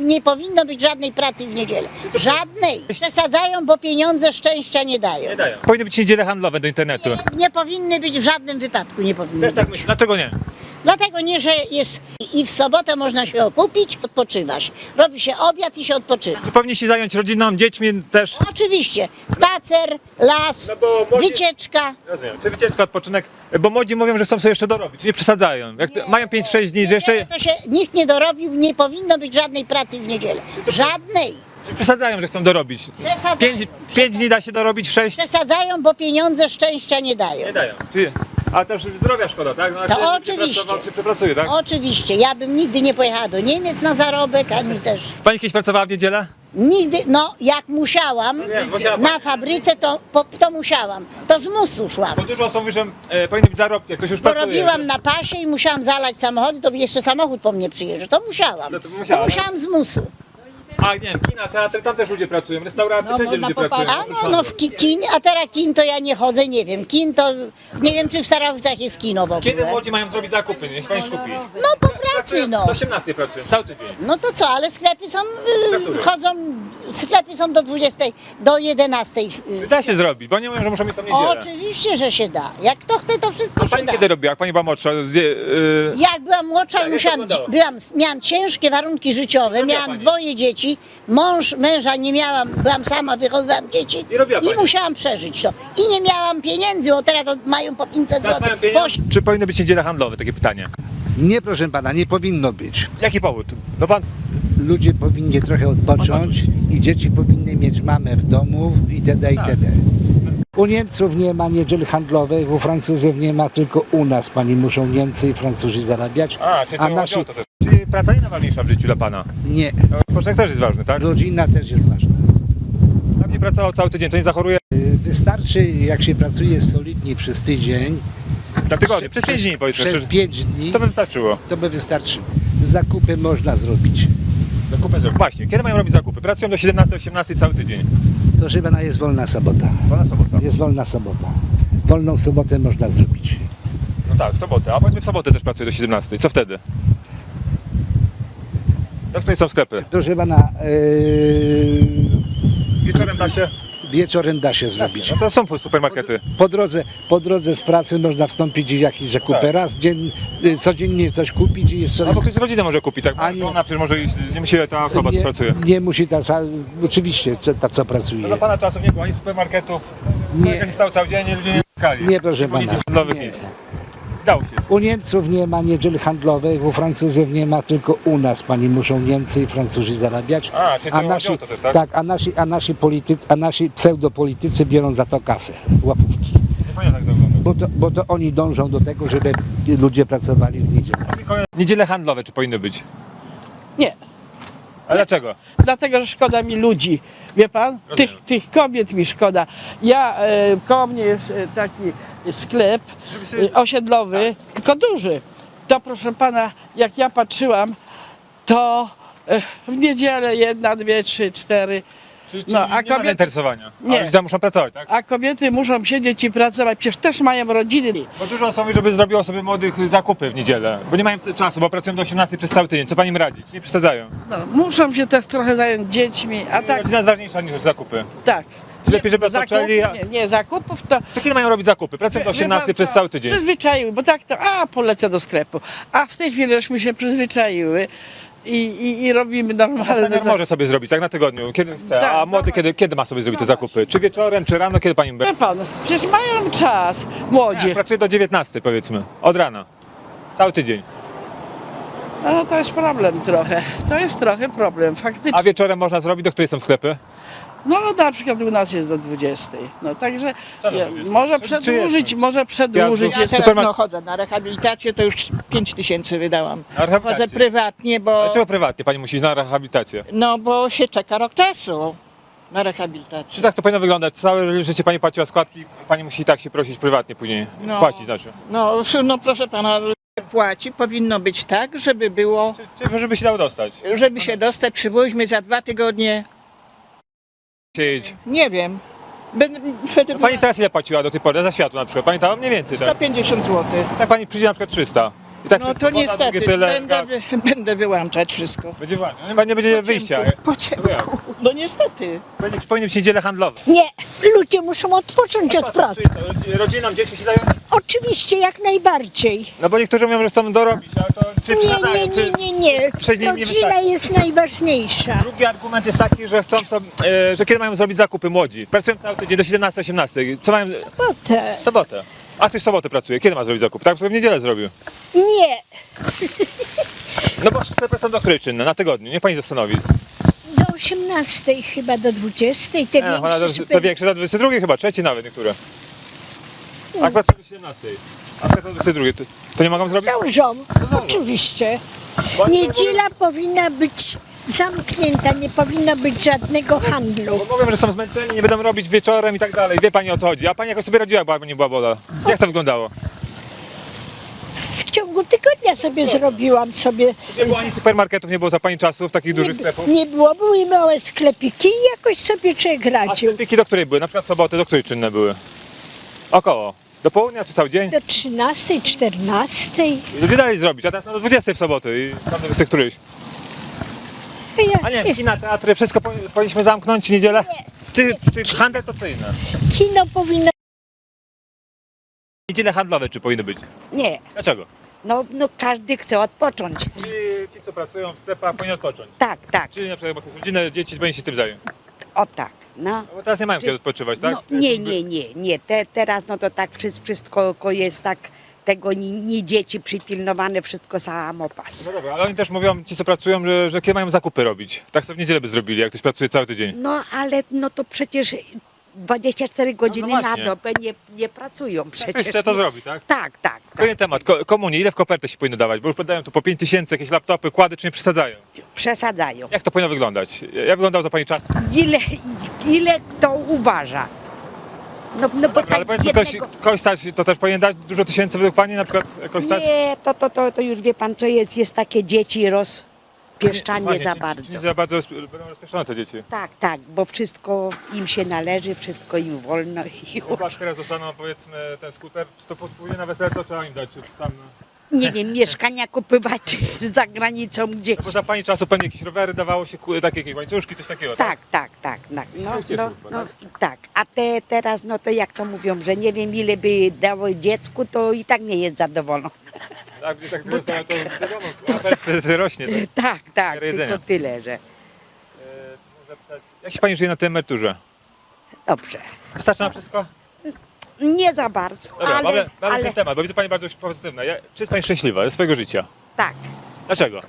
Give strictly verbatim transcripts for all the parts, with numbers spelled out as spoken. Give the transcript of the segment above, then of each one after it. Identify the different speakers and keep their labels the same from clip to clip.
Speaker 1: nie powinno być żadnej pracy w niedzielę. Żadnej. Przesadzają, bo pieniądze szczęścia nie dają.
Speaker 2: Nie dają. Powinny być niedziele handlowe do internetu.
Speaker 1: Nie, nie powinny być w żadnym wypadku, nie powinny
Speaker 2: Też tak
Speaker 1: być.
Speaker 2: myślę. Dlaczego nie?
Speaker 1: Dlatego nie, że jest i w sobotę można się okupić, odpoczywać. Robi się obiad i się odpoczywa.
Speaker 2: Czy powinni się zająć rodziną, dziećmi też?
Speaker 1: Oczywiście. Spacer, las,
Speaker 2: No bo młodzi-
Speaker 1: wycieczka.
Speaker 2: Rozumiem. Czy wycieczka, odpoczynek? Bo młodzi mówią, że chcą sobie jeszcze dorobić, nie przesadzają. Jak
Speaker 1: Nie.
Speaker 2: mają pięć sześć dni, że jeszcze...
Speaker 1: To się nikt nie dorobił, nie powinno być żadnej pracy w niedzielę. Żadnej.
Speaker 2: Czy przesadzają, że chcą dorobić?
Speaker 1: Przesadzają.
Speaker 2: Pięć, pięć dni da się dorobić, w sześć?
Speaker 1: Przesadzają, bo pieniądze szczęścia nie dają.
Speaker 2: Nie dają. Czy... A też zdrowia szkoda, tak? No,
Speaker 1: To
Speaker 2: jak się
Speaker 1: oczywiście.
Speaker 2: pracował, się przepracuje, tak?
Speaker 1: Oczywiście, ja bym nigdy nie pojechała do Niemiec na zarobek, ani też.
Speaker 2: Pani kiedyś pracowała w niedzielę?
Speaker 1: Nigdy, no jak musiałam
Speaker 2: wiem, musiała
Speaker 1: na
Speaker 2: pani.
Speaker 1: fabryce, to, po, to musiałam. To z musu szłam.
Speaker 2: Bo dużo osób mówi, że e, powinny być zarobki, jak ktoś już
Speaker 1: Bo
Speaker 2: pracuje.
Speaker 1: robiłam na pasie i musiałam zalać samochody, to jeszcze samochód po mnie przyjeżdża. To musiałam.
Speaker 2: No to
Speaker 1: To
Speaker 2: musiała,
Speaker 1: musiałam z musu.
Speaker 2: A nie wiem, kina, teatry, tam też ludzie pracują, restauracje,
Speaker 3: No,
Speaker 2: wszędzie
Speaker 3: można
Speaker 2: ludzie pracują.
Speaker 3: popatrzeć.
Speaker 1: A no, no w ki, kin, a teraz kin to ja nie chodzę, nie wiem. Kin to, nie wiem czy w Starowicach jest kino w ogóle.
Speaker 2: Kiedy młodzi mają zrobić zakupy, niech pani skupi?
Speaker 1: No po pracy no.
Speaker 2: Do osiemnastej pracują, cały tydzień.
Speaker 1: No to co, ale sklepy są,
Speaker 2: Na
Speaker 1: y,
Speaker 2: której?
Speaker 1: chodzą, sklepy są do dwudziestej, do jedenastej. y.
Speaker 2: Da się zrobić, bo nie mówią, że muszą mieć tą niedzielę.
Speaker 1: Oczywiście, że się da. Jak kto chce, to wszystko
Speaker 2: A pani
Speaker 1: się da.
Speaker 2: kiedy robiła, jak pani była młodsza? Gdzie, yy...
Speaker 1: Jak byłam młodsza,
Speaker 2: Tak, jak
Speaker 1: musiałam,
Speaker 2: to wyglądało?
Speaker 1: byłam, miałam ciężkie warunki życiowe,
Speaker 2: robiła
Speaker 1: miałam
Speaker 2: pani?
Speaker 1: dwoje dzieci, mąż, męża nie miałam, byłam sama, wychowywałam dzieci
Speaker 2: I robiła pani?
Speaker 1: musiałam przeżyć to. I nie miałam pieniędzy, bo teraz to mają po pięćset
Speaker 2: Teraz mają
Speaker 1: złotych.
Speaker 2: pieniądze? Czy powinny być niedziele handlowe? Takie pytanie.
Speaker 4: Nie, proszę pana, nie powinno być.
Speaker 2: Jaki powód? No pan...
Speaker 4: Ludzie powinni trochę odpocząć i dzieci powinny mieć mamę w domu itd. itd. U Niemców nie ma niedziel handlowych, u Francuzów nie ma, tylko u nas pani muszą Niemcy i Francuzi zarabiać.
Speaker 2: A, czyli to
Speaker 4: a
Speaker 2: chodzi
Speaker 4: nasi
Speaker 2: o to też. Czyli praca nie najważniejsza w życiu dla pana.
Speaker 4: nie.
Speaker 2: No, Odpoczynek też jest ważny, tak?
Speaker 4: Rodzina też jest ważna.
Speaker 2: Jak nie pracował cały tydzień, to nie zachoruje
Speaker 4: Y, Wystarczy, jak się pracuje solidnie przez tydzień,
Speaker 2: na tygodniu, przez pięć dni powiedzmy
Speaker 4: przez
Speaker 2: szczerze.
Speaker 4: pięć dni,
Speaker 2: To by wystarczyło.
Speaker 4: to by wystarczy. Zakupy można zrobić.
Speaker 2: Zakupy zrobić. Właśnie, kiedy mają robić zakupy? Pracują do siedemnastej osiemnastej cały tydzień.
Speaker 4: Proszę pana, jest wolna sobota.
Speaker 2: Wolna sobota.
Speaker 4: Jest wolna sobota. Wolną sobotę można zrobić.
Speaker 2: No tak, w sobotę. A powiedzmy w sobotę też pracuję do siedemnastej. Co wtedy? Jak tutaj są sklepy?
Speaker 4: Proszę pana, yy,
Speaker 2: Wieczorem da się?
Speaker 4: wieczorem da się zrobić.
Speaker 2: No to są supermarkety.
Speaker 4: Po drodze, po drodze z pracy można wstąpić w jakieś zakupy.
Speaker 2: Tak.
Speaker 4: Raz dzień, y, codziennie coś kupić i jeszcze
Speaker 2: Albo ktoś z rodziny może kupić, tak?
Speaker 4: A nie.
Speaker 2: Żona przecież może iść, nie musi ta osoba, co
Speaker 4: nie,
Speaker 2: pracuje.
Speaker 4: nie musi ta, sa- oczywiście co- ta co
Speaker 2: No
Speaker 4: pracuje.
Speaker 2: za pana czasów nie było ani supermarketu,
Speaker 4: Nie.
Speaker 2: nie stał cały dzień, ludzie nie czekali.
Speaker 4: Nie, proszę
Speaker 2: było nic
Speaker 4: pana.
Speaker 2: handlowych,
Speaker 4: Nie.
Speaker 2: nic. Dało się.
Speaker 4: U Niemców nie ma niedziel handlowych, u Francuzów nie ma, tylko u nas pani muszą Niemcy i Francuzi zarabiać.
Speaker 2: A, czyli to chodzi
Speaker 4: nasi,
Speaker 2: o to też, tak?
Speaker 4: a nasi, a nasi politycy, a nasi pseudopolitycy biorą za to kasę, łapówki.
Speaker 2: Nie pamiętam jak to wygląda.
Speaker 4: Bo to, bo to oni dążą do tego, żeby ludzie pracowali w niedzielę.
Speaker 2: Niedziele handlowe czy powinny być?
Speaker 3: Nie,
Speaker 2: A dlaczego?
Speaker 3: dlatego że szkoda mi ludzi. Wie pan? Tych,
Speaker 2: Rozumiem.
Speaker 3: tych kobiet mi szkoda. Ja, e, koło mnie jest e, taki sklep
Speaker 2: Żeby sobie-
Speaker 3: e, osiedlowy, tylko duży. To proszę pana, jak ja patrzyłam, to e, w niedzielę jedna, dwie, trzy, cztery.
Speaker 2: Czyli,
Speaker 3: No,
Speaker 2: czyli
Speaker 3: a
Speaker 2: nie ma
Speaker 3: kobiety-
Speaker 2: zainteresowania.
Speaker 3: Nie.
Speaker 2: A ludzie tam muszą pracować, tak?
Speaker 3: A kobiety muszą siedzieć i pracować, przecież też mają rodziny.
Speaker 2: Bo dużo osób mówi, żeby zrobiło sobie młodych zakupy w niedzielę, bo nie mają czasu, bo pracują do osiemnastej przez cały tydzień. Co pani im radzi? Nie przesadzają.
Speaker 3: No, muszą się też trochę zająć dziećmi, a tak,
Speaker 2: Rodzina jest ważniejsza niż zakupy.
Speaker 3: tak.
Speaker 2: Czy lepiej, żeby
Speaker 3: zakupów,
Speaker 2: odpoczęli, a-
Speaker 3: nie, nie, zakupów to...
Speaker 2: To kiedy mają robić zakupy? Pracują do
Speaker 3: Wie- wie
Speaker 2: osiemnastej
Speaker 3: pan
Speaker 2: przez
Speaker 3: co?
Speaker 2: cały tydzień.
Speaker 3: Przyzwyczaiły, bo tak to, a polecę do sklepu. A w tej chwili żeśmy się przyzwyczaiły i, i, i robimy normalne
Speaker 2: Senior
Speaker 3: zakupy.
Speaker 2: może sobie zrobić, tak na tygodniu, kiedy chce.
Speaker 3: Tak,
Speaker 2: A młody
Speaker 3: no
Speaker 2: kiedy, kiedy ma sobie zrobić te zakupy? Czy wieczorem, czy rano, kiedy pani
Speaker 3: Wie
Speaker 2: będzie?
Speaker 3: pan, przecież mają czas, młodzi.
Speaker 2: Pracuje do dziewiętnastej powiedzmy, od rana. Cały tydzień.
Speaker 3: No to jest problem trochę, to jest trochę problem, faktycznie.
Speaker 2: A wieczorem można zrobić, do której są sklepy?
Speaker 3: No na przykład u nas jest do dwudziestej, no także
Speaker 2: Co do
Speaker 3: ja,
Speaker 2: dwudziestej?
Speaker 3: może
Speaker 2: Czy- czy
Speaker 3: przedłużyć,
Speaker 2: jest?
Speaker 3: może przedłużyć.
Speaker 2: Ja
Speaker 5: Ja
Speaker 3: jeszcze.
Speaker 5: teraz
Speaker 2: Supermark-
Speaker 5: no, chodzę na rehabilitację, to już pięć tysięcy wydałam.
Speaker 2: Na rehabilitację?
Speaker 5: Chodzę prywatnie, bo,
Speaker 2: Dlaczego prywatnie pani musi iść na rehabilitację?
Speaker 5: no, bo się czeka rok czasu na
Speaker 2: Czy
Speaker 5: rehabilitację.
Speaker 2: tak to powinno wyglądać? Całe życie pani płaciła składki, pani musi i tak się prosić prywatnie później.
Speaker 5: No.
Speaker 2: Płacić znaczy.
Speaker 5: No, no proszę pana, płaci, powinno być tak, żeby było,
Speaker 2: Czy, czy żeby się dało dostać?
Speaker 5: żeby się dostać, przywoźmy za dwa tygodnie,
Speaker 2: Siedzieć.
Speaker 5: nie wiem, będę, będę
Speaker 2: No pani teraz ile płaciła do tej pory za światło na przykład? Pamiętała mniej więcej, tak?
Speaker 5: sto pięćdziesiąt złotych.
Speaker 2: Tak pani przyjdzie na przykład trzysta. I tak
Speaker 5: No
Speaker 2: wszystko,
Speaker 5: to
Speaker 2: woda,
Speaker 5: niestety,
Speaker 2: drugie tyle,
Speaker 5: będę,
Speaker 2: gaz.
Speaker 5: wy, będę wyłączać wszystko.
Speaker 2: Będzie wolno. Nie, nie będzie
Speaker 5: Po
Speaker 2: wyjścia.
Speaker 5: ciemku, po ciemku.
Speaker 2: Jak?
Speaker 5: No niestety.
Speaker 2: Powinny, powinny być niedziele handlowe.
Speaker 1: Nie, ludzie muszą odpocząć od pracy.
Speaker 2: Czyli co, rodzi- Rodzinom, dzieci się dają?
Speaker 1: Oczywiście, jak najbardziej.
Speaker 2: No bo niektórzy mówią, że chcą dorobić, ale to czy
Speaker 1: Nie,
Speaker 2: przestają,
Speaker 1: nie,
Speaker 2: czy
Speaker 1: nie, nie, nie.
Speaker 2: sześć dni im nie
Speaker 1: Rodzina
Speaker 2: wystarczy.
Speaker 1: jest najważniejsza.
Speaker 2: Drugi argument jest taki, że chcą sobie, e, że kiedy mają zrobić zakupy młodzi. Pracują cały tydzień do siedemnastej osiemnastej. Co mają?
Speaker 1: Potem.
Speaker 2: W sobotę. A ktoś w sobotę pracuje. Kiedy ma zrobić zakup? Tak, sobie w niedzielę zrobił.
Speaker 1: Nie,
Speaker 2: No bo sklepy są do której czynne? Na tygodniu. Niech pani zastanowi.
Speaker 1: do osiemnastej chyba, do dwudziestej, te
Speaker 2: Nie, no,
Speaker 1: większe
Speaker 2: to, to
Speaker 1: super...
Speaker 2: większe, do dwudziestej drugiej chyba, trzeci nawet niektóre. A pracują do siedemnastej. A sklep do dwudziestej drugiej. To, to nie mogą zrobić?
Speaker 1: Dążą, oczywiście.
Speaker 2: Bo oni
Speaker 1: Niedziela powinna być zamknięta, nie powinno być żadnego handlu.
Speaker 2: Bo mówią, że są zmęczeni, nie będą robić wieczorem i tak dalej. Wie pani o co chodzi. A pani jakoś sobie radziła, bo nie była woda. Jak to wyglądało?
Speaker 1: W ciągu tygodnia sobie zrobiłam sobie.
Speaker 2: Nie było ani supermarketów, nie było za pani czasów, takich dużych
Speaker 1: Nie,
Speaker 2: sklepów.
Speaker 1: nie było, były małe sklepiki i jakoś sobie człowiek
Speaker 2: A
Speaker 1: radził.
Speaker 2: sklepiki do której były? Na przykład w sobotę do której czynne były? Około. Do południa czy cały dzień?
Speaker 1: Do trzynastej, czternastej.
Speaker 2: I ludzie dali zrobić, a teraz no do dwudziestej w soboty i tam do dwudziestej którejś.
Speaker 1: Ja,
Speaker 2: A nie, kina, teatry, wszystko powi- powinniśmy zamknąć w niedzielę? Czy, czy handel to co inne?
Speaker 1: kino powinno...
Speaker 2: Niedziele handlowe czy powinny być?
Speaker 6: Nie,
Speaker 2: Dlaczego?
Speaker 6: no, no każdy chce odpocząć.
Speaker 2: Czy ci co pracują w sklepach powinni odpocząć?
Speaker 6: Tak, tak,
Speaker 2: Czyli na przykład jak rodzinę, dzieci powinni się tym zająć.
Speaker 6: o tak, no.
Speaker 2: No bo teraz nie mają kiedy odpoczywać, tak?
Speaker 6: No, nie, nie, nie, nie, Te, teraz no to tak wszystko, wszystko jest tak, tego nie, nie dzieci przypilnowane, wszystko samopas.
Speaker 2: No dobra, ale oni też mówią, ci co pracują, że, że kiedy mają zakupy robić. Tak sobie w niedzielę by zrobili, jak ktoś pracuje cały tydzień.
Speaker 6: No ale no to przecież dwadzieścia cztery godziny na
Speaker 2: właśnie.
Speaker 6: dobę nie, nie pracują
Speaker 2: Ktoś
Speaker 6: przecież.
Speaker 2: chce to zrobi, tak?
Speaker 6: Tak, tak, tak.
Speaker 2: Kolejny temat, ko- komunie, ile w kopertę się powinno dawać? Bo już podają tu po pięć tysięcy, jakieś laptopy, kłady, czy nie przesadzają?
Speaker 6: Przesadzają.
Speaker 2: Jak to powinno wyglądać? Jak wyglądał za pani czas?
Speaker 6: Ile, ile kto uważa? No, no bo
Speaker 2: Dobra, ale
Speaker 6: tak
Speaker 2: powiedzmy, ktoś,
Speaker 6: jednego...
Speaker 2: kogoś stać, to też powinien dać dużo tysięcy według pani na przykład? Jakoś stać?
Speaker 6: Nie, to, to, to, to już wie pan co jest, jest takie dzieci rozpieszczanie
Speaker 2: Właśnie,
Speaker 6: za
Speaker 2: czy-
Speaker 6: bardzo.
Speaker 2: Czy nie za bardzo rozp- będą rozpieszczone te dzieci?
Speaker 6: Tak, tak, bo wszystko im się należy, wszystko im wolno i
Speaker 2: Jak
Speaker 6: już.
Speaker 2: teraz dostaną powiedzmy ten skuter, czy to podpłynie na wesele, co trzeba im dać? Czy tam...
Speaker 6: Nie wiem, mieszkania kupywać za granicą gdzieś.
Speaker 2: No bo za pani czasu pewnie jakieś rowery dawało się, ku- takie jakieś łańcuszki, coś takiego,
Speaker 6: Tak, tak, tak, tak. No,
Speaker 2: się cieszył
Speaker 6: no,
Speaker 2: chyba,
Speaker 6: no,
Speaker 2: tak?
Speaker 6: i tak. A te teraz, no to jak to mówią, że nie wiem ile by dało dziecku, to i tak nie jest zadowolony.
Speaker 2: Tak, gdy tak dostają, to wiadomo, apetyt rośnie. Tak.
Speaker 6: Tak, tak,
Speaker 2: Miarę jedzenia.
Speaker 6: tylko tyle, że
Speaker 2: E, muszę zapytać, jak się pani żyje na tej emeryturze?
Speaker 6: dobrze.
Speaker 2: Wystarczy na wszystko?
Speaker 6: Nie za bardzo,
Speaker 2: Dobra,
Speaker 6: ale,
Speaker 2: mamy, mamy
Speaker 6: ale
Speaker 2: ten temat, bo widzę pani bardzo pozytywna. Ja, czy jest pani szczęśliwa ze swojego życia?
Speaker 6: tak.
Speaker 2: Dlaczego?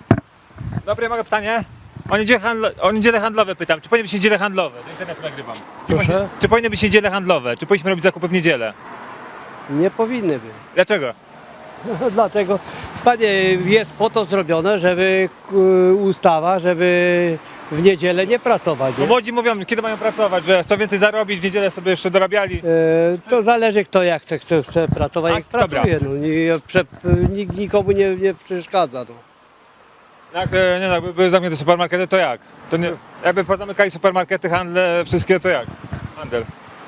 Speaker 2: Dobre, mogę pytanie? O niedzielę, handlo, o niedzielę handlowe pytam. Czy powinny być niedziele handlowe? Do internetu nagrywam. Czy,
Speaker 7: Proszę?
Speaker 2: powinny- czy powinny być niedziele handlowe? Czy powinniśmy robić zakupy w niedzielę?
Speaker 7: Nie powinny być.
Speaker 2: Dlaczego?
Speaker 7: Dlatego, panie, jest po to zrobione, żeby e, ustawa, żeby w niedzielę nie pracować.
Speaker 2: Bo
Speaker 7: Nie?
Speaker 2: młodzi mówią, kiedy mają pracować, że chcą więcej zarobić, w niedzielę sobie jeszcze dorabiali.
Speaker 7: E, to zależy kto jak chce, chce, chce pracować,
Speaker 2: A,
Speaker 7: jak
Speaker 2: dobra.
Speaker 7: pracuje. No, nie, prze, nikt nikomu nie, nie przeszkadza. No.
Speaker 2: Jak e, nie no, jakby były zamknięte supermarkety, to jak? To nie, jakby pozamykali supermarkety, handle, wszystkie, to jak? Handel.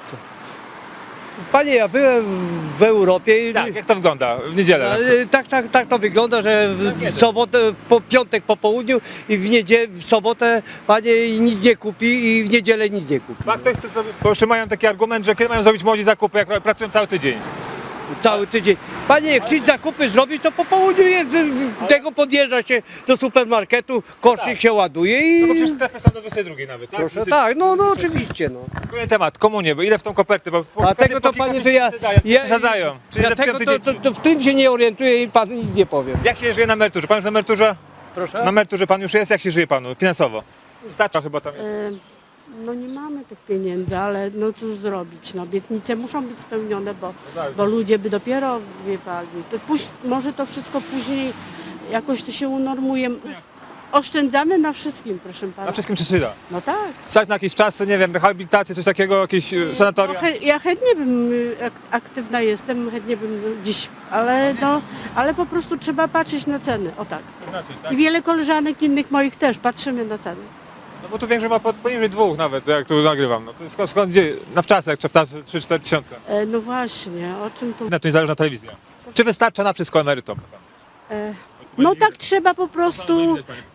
Speaker 7: Panie, ja byłem w Europie i
Speaker 2: Tak, jak to wygląda w niedzielę? na
Speaker 7: e,
Speaker 2: przykład?
Speaker 7: tak, tak, tak to wygląda, że w, w sobotę, po piątek po południu i w niedzielę, w sobotę panie nic nie kupi i w niedzielę nic nie kupi.
Speaker 2: A ktoś chce zrobić, bo jeszcze mają taki argument, że kiedy mają zrobić młodzi zakupy, jak pracują cały tydzień.
Speaker 7: Cały tydzień. Panie, jak chcesz zakupy zrobić, to po południu jest, y, tego podjeżdża się do supermarketu, koszyk się ładuje i...
Speaker 2: No bo przecież sklepy są do dwudziestej drugiej nawet, tak?
Speaker 7: Proszę,
Speaker 2: dwudziestej-
Speaker 7: tak, no, no
Speaker 2: dwudziestej
Speaker 7: oczywiście, no.
Speaker 2: Kolejny temat, komunie, bo ile w tą kopertę, bo po
Speaker 7: A tego to
Speaker 2: po kilka
Speaker 7: panie, to ja...
Speaker 2: tysięcy dają,
Speaker 7: ja
Speaker 2: przesadzają. Czyli
Speaker 7: ja
Speaker 2: zepsują
Speaker 7: tego
Speaker 2: te
Speaker 7: to,
Speaker 2: dzieci.
Speaker 7: to, to w tym się nie orientuję i panu nic nie powiem.
Speaker 2: Jak się żyje na emeryturze? Pan już na emeryturze?
Speaker 7: Proszę?
Speaker 2: Na emeryturze pan już jest? Jak się żyje panu finansowo? Wystarcza chyba tam jest.
Speaker 8: E, No nie mamy tych pieniędzy, ale no cóż zrobić, no obietnice muszą być spełnione, bo,
Speaker 2: tak.
Speaker 8: bo ludzie by dopiero, wie pani, to póź, może to wszystko później jakoś to się unormuje. Oszczędzamy na wszystkim, proszę pana.
Speaker 2: Na wszystkim czy się da?
Speaker 8: No tak.
Speaker 2: Stać na jakieś czasy, nie wiem, rehabilitację, coś takiego, jakieś e,
Speaker 8: No,
Speaker 2: sanatoria?
Speaker 8: chę, ja chętnie bym, y, ak- aktywna jestem, chętnie bym dziś, ale no, ale po prostu trzeba patrzeć na ceny, o tak.
Speaker 2: Znaczyć, tak?
Speaker 8: I wiele koleżanek innych moich też, patrzymy na ceny.
Speaker 2: No bo tu większość ma po- poniżej dwóch nawet, jak tu nagrywam. No to skąd, skąd gdzie? Na wczasy, jak trzeba trzy cztery tysiące.
Speaker 8: E, no właśnie, o czym tu...
Speaker 2: Na to niezależna telewizja. Czy wystarcza na wszystko emerytom?
Speaker 8: No tak trzeba po prostu